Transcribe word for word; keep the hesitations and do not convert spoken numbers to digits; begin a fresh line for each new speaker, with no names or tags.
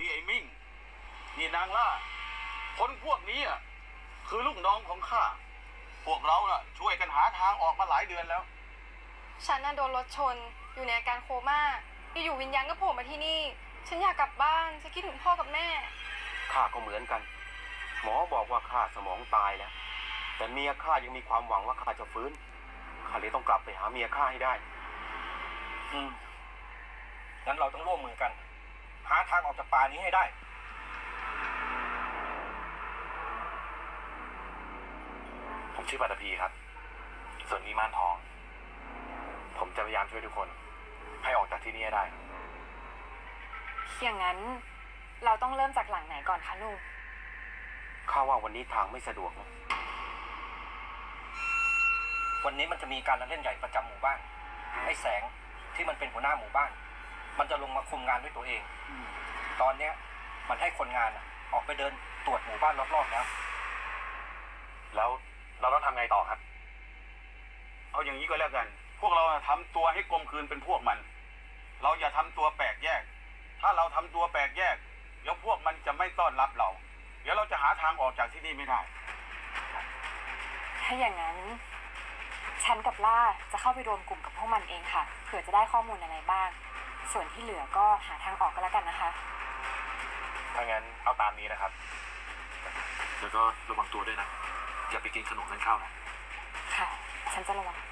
นี่ไอ้มิ่งนี่นางล่าคนพวกนี้อ่ะคือลูกน้องของข้าพวกเราน่ะช่วยกันหาทางออกมาหลายเดือนแล้ว
ฉันน่ะโดนรถชนอยู่ในอาการโคม่าอยู่วิญญาณก็โผล่มาที่นี่ฉันอยากกลับบ้านฉันคิดถึงพ่อกับแม่
ข้าก็เหมือนกันหมอบอกว่าข้าสมองตายแล้วแต่เมียข้ายังมีความหวังว่าข้าจะฟื้นข้าเลยต้องกลับไปหาเมียข้าให้ได้
อืมงั้นเราต้องร่วมมือกันหาทางออกจากป่านี้ให้ได้
ผมชื่อปัตภีครับส่วนนี้ม่านทองผมจะพยายามช่วยทุกคนให้ออกจากที่นี่ให้ได้
อย่างนั้นเราต้องเริ่มจากหลังไหนก่อนคะลุง
ข้าว่าวันนี้ทางไม่สะดวกนะ
วันนี้มันจะมีการละเล่นใหญ่ประจำหมู่บ้านไอ้แสงที่มันเป็นหัวหน้าหมู่บ้านมันจะลงมาคุมงานด้วยตัวเองตอนเนี้ยมันให้คนงานออกไปเดินตรวจหมู่บ้านรอบๆแล้ว
แล้วเราต้องทำไงต่อครับ
เอาอย่างนี้ก็แล้วกันพวกเราทำตัวให้กลมกลืนเป็นพวกมันเราอย่าทำตัวแปลกแยกถ้าเราทำตัวแปลกแยกเดี๋ยวพวกมันจะไม่ต้อนรับเราเดี๋ยวเราจะหาทางออกจากที่นี่ไม่ได้
ถ้าอย่างนั้นฉันกับล่าจะเข้าไปรวมกลุ่มกับพวกมันเองค่ะเผื่อจะได้ข้อมูลอะไรบ้างส่วนที่เหลือก็หาทางออกก็แล้วกันนะคะ
ถ้างั้นเอาตามนี้นะครับแล้วก็ระวังตัวด้วยนะอย่าไปกินขนมนั่นเข้านะ
ค่ะฉันจะระวัง